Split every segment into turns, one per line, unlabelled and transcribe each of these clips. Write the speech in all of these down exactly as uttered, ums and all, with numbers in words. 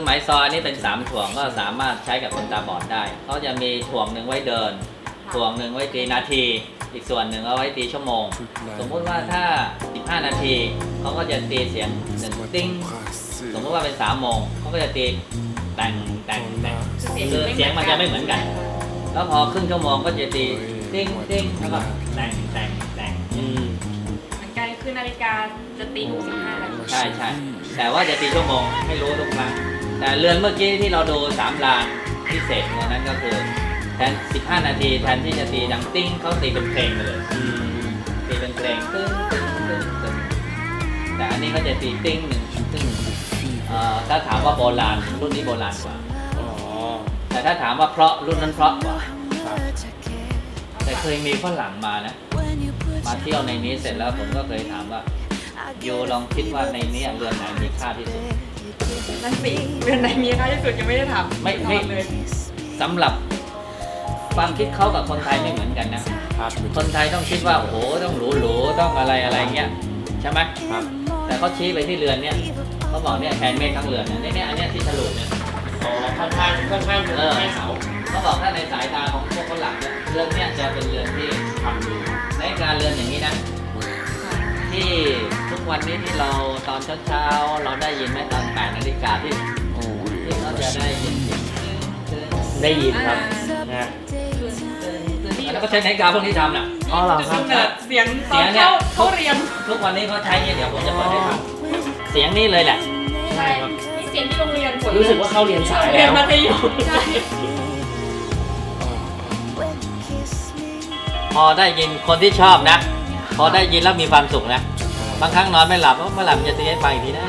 ไม้ซอยนี่เป็นสามถ่วงก็สามารถใช้กับคนตาบอดได้เขาจะมีถ่วงหนึ่งไว้เดินถ่วงหนึ่งไว้ตีนาทีอีกส่วนหนึ่งเอาไว้ตีชั่วโมงสมมุติว่าถ้าสิบห้านาทีเขาก็จะตีเสียงหนึ่งติ้งสมมติว่าเป็นสามโมงเขาก็จะตีแต่งแต่งแต่งคือเสียงมันจะไม่เหมือนกันแล้วพอครึ่งชั่วโมงก็จะตีติ้งติ้งแล้วก็แต่งแต่งแต่งอืม
เหมือนกันคือนาฬิกาจะตีทุกสิบห้านาที
ใช่ใช่แต่ว่าจะตีชั่วโมงให้รู้ทุกครั้งแต่เรือนเมื่อกี้ที่เราดูสามลานพิเศษตัวนั้นก็คือแทนสิบห้านาทีแทนที่จะตีดังติ้งเขาตีเป็นเพลงเลยตีเป็นเพลงตึ้งตึ้งตึ้งตึ้งแต่อันนี้เขาจะตีติ้งหนึ่งตึ้งถ้าถามว่าโบราณรุ่นนี้โบราณกว่าแต่ถ้าถามว่าเพราะรุ่นนั้นเพราะกว่าแต่เคยมีฝรั่งมานะมาเที่ยวในนี้เสร็จแล้วผมก็เคยถามว่าโยลองคิดว่าในนี้เรือนไหนมีค่าที่สุด
นั่นสิเรือนไหนมีค่าที่สุดยังไม่ได้ถาม
ไม่ไม่เลยสำหรับความคิดเขากับคนไทยไม่เหมือนกันนะคนไทยต้องคิดว่าโอ้โหต้องหรูหรูต้องอะไรอะไรเงี้ยใช่ไหมแต่เขาชี้ไปที่เรือนเนี่ยเขาบอกเนี่ยแทนเมฆทั้งเรือนเนี่ยเนี่ยอันนี้ที่ฉลุเนี่ย
อ๋อค่อนข้างค่อนข้างเออให้เขา
เขาบอกถ้าในสายตาของพวกฝรั่งเนี่ยเรือนเนี่ยจะเป็นเรือนที่ทำอยู่ในการเรือนอย่างนี้นะที่ทุกวันนี้ที่เราตอนเช้าๆเราได้ยินไหมตอนแปดนาฬิกาที่ที่เขาจะได้ยิน
ได้ยินครับนะ
แล้วก็ใช้นาฬิกาพวกนี้ทำน่ะ
อ๋อเหรอครับ
เสียงตอนเข้าเขาเรียน
ทุกวันนี้เขาใช้เนี่ยเดี๋ยวผมจะเปิดให้ฟังเสียงนี้เลยแหละ
ใช่ครับนี่เสียงที่โรงเรียน
รู้สึกว่าเข้าเรียนสายแล้ว
เรียนมัธยมใช่
พอได้ยินคนที่ชอบนะพอได้ยินแล้วมีความสุขนะบางครั้งนอนไม่หลับเมื่อหลับจะตีให้ฟังอีกทีนะ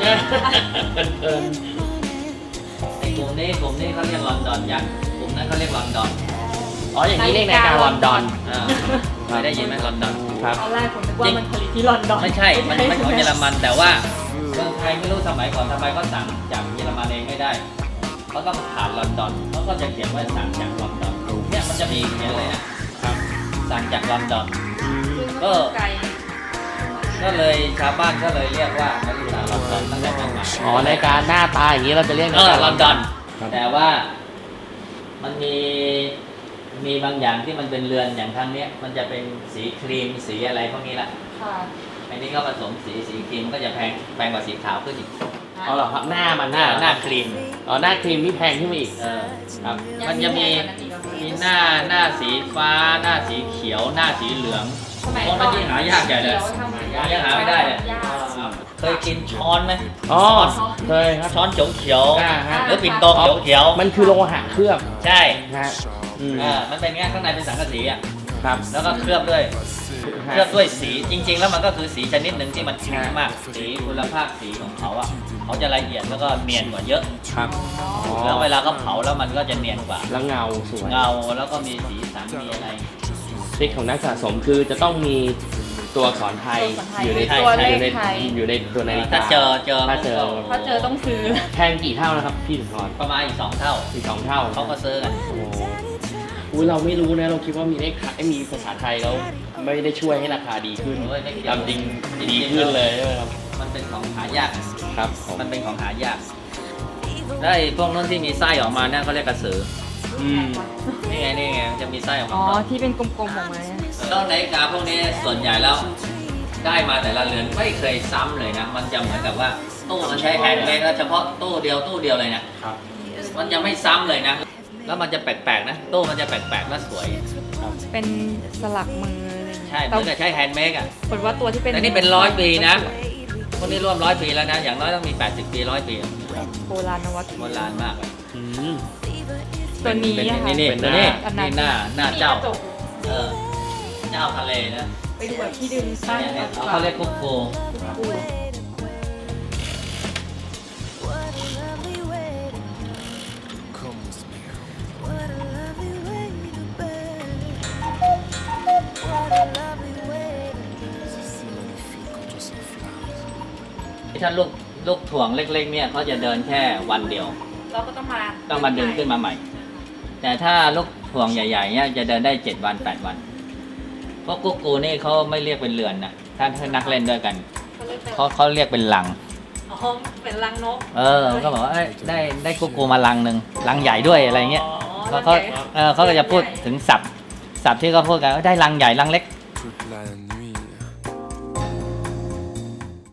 ไอ้กลุ่มนี้กลุ่มนี้เขาเรียกลอนดอนยักษ์กลุ่มนั้นเขาเรียกลอนดอน
อ๋ออย่างนี้เรียกนาฬิกาลอนดอน
เคยได้ยินไหมลอนดอน
ครับตอนแรกผมนึกว่ามันผลิตที่ลอนดอน
ไม่ใช่มันเป็นของเยอรมันแต่ว่าเมืองไทยไม่รู้สมัยก่อนทำไมเขาสั่งจากเยอรมันเองไม่ได้เขาต้องผ่านลอนดอนเขาก็จะเขียนว่าสั่งจากลอนดอนเนี่ยมันจะมีเขียนเลยนะสั่งจากลอนดอนก็ก็เลยชาวบ้านก็เลยเรียกว่านาฬิกาลอนดอนตั้งแต่นั้นมา
อ๋อนาฬิกาหน้าตาอย่างนี้เราจะเรียก
นาฬิกาลอนดอนแต่ว่ามันมีมีบางอย่างที่มันเป็นเรือนอย่างทางเนี้ยมันจะเป็นสีครีมสีอะไรพวกนี้แหละอันนี้ก็ผสมสีสีครีมก็จะแพงแพงกว่าสีขาวขึ้นอีก
อ๋อเหรอครับหน้ามัน
หน้าหน้าครีม
อ๋อหน้าครีมนี่แพงขึ้นมาอีก
เออครับมันจะมีมีหน้าหน้าสีฟ้าหน้าสีเขียวหน้าสีเหลืองเพราะมันยิ่งหายากใหญ่เลยยังหาไม่ได้เลยเคยกินช้อนไหม
อ๋อเคยครับ
ช้อนโจงเขียวหรือปิ่นโตโจงเขียว
มันคือโลหะเคลือบ
ใช่
ฮะ
อ่ามันเป็นเงี้ยข้างในเป็นสังกะสีอ่ะ
ครับ
แล้วก็เคลือบด้วยเคลือบด้วยสีจริงๆแล้วมันก็คือสีชนิดหนึ่งที่มันแข็งมากสีคุณภาพสีของเขาอ่ะเขาจะละเอียดแล้วก็เนียนกว่าเยอะ
ครับ
แล้วเวลาเขาเผาแล้วมันก็จะเนียนกว่า
แล้วเงาสวย
เงาแล้วก็มีสีสันมีอะไร
ทริคของนักสะสมคือจะต้องมีตัวอักษรไทยอยู่ใน
ตัวเลขไทย
อยู่ในตัวนาฬิกา
ถ้าเจอเจอ
ถ้าเจอ
ถ้าเจอต้องซื้อ
แพงกี่เท่านะครับพี่สุนทร
ประมาณอีกสองเท่า
อีกสองเท่า
เขาก็ซื้อกัน
โอ้อุ้ยเราไม่รู้นะเราคิดว่ามีเลขไทยมีภาษาไทยแล้วไม่ได้ช่วยให้ราคาดีขึ้นตามจริงดีขึ้นเลยใช่ไหมครับ
มันเป็นของหายาก
ครับ
มันเป็นของหายากได้พวกนั้นที่มีไส้ออกมาเนี่ยเขาเรียกกระสือ
อืม
นี่ไงนี่ไงจะมีไส้ออกมา
อ๋อที่เป็นกลมๆออกมา
แล้วนาฬิกาพวกนี้ส่วนใหญ่แล้วได้มาแต่ละเรือนไม่เคยซ้ำเลยนะมันจะเหมือนกับว่าตู้มันใช้แฮนด์เมดเฉพาะตู้เดียวตู้เดียวเลยนะมันจะไม่ซ้ำเลยนะแล้วมันจะแปลกๆนะตู้มันจะแปลกๆและสวย
เป็นสลักมือ
ใช่มันจะใช้แฮนด์เมดอ่ะ
คนว่าตัวที่เป็น
แต่นี่เป็นร้อยปีนะพวกนี้ร่วมร้อยปีแล้วนะอย่างน้อยต้องมีแปดสิบปีร้อยปี
โบราณนวัต
โบราณมากเลย
ตัวนี้
นี่นี่ตัวนี้นี่หน้าหน้าเจ้าเออเจ้าทะเลนะ
ไปดูแบบที่ดึงสร้าง
เขาเรียกคุกโกถ้าลูกลูกถ่วงเล็กๆเนี่ยเขาจะเดินแค่วันเดียว
เราก็ต้องมา
ต้องมาดึงขึ้นมาใหม่แต่ถ้าลูกถ่วงใหญ่ๆเนี่ยจะเดินได้เจ็ดวันแปดวันเพราะกุ๊กกูนี่เขาไม่เรียกเป็นเรือนนะถ้าถ้านักเล่นด้วยกันเขาเขาเรียกเป็นหลัง
อ๋อเป็นรังนก
เออก็บอกว่าเอ้ยได้ได้กุ๊กกูมาลังหนึ่งลังใหญ่ด้วยอะไรเงี้ย
อ๋อ
เขาเขา
รังใหญ่
เออเขาก็จะพูดถึงศัพท์ศัพท์ที่เขาพูดกันว่าได้ลังใหญ่ลังเล็ก
Truth lying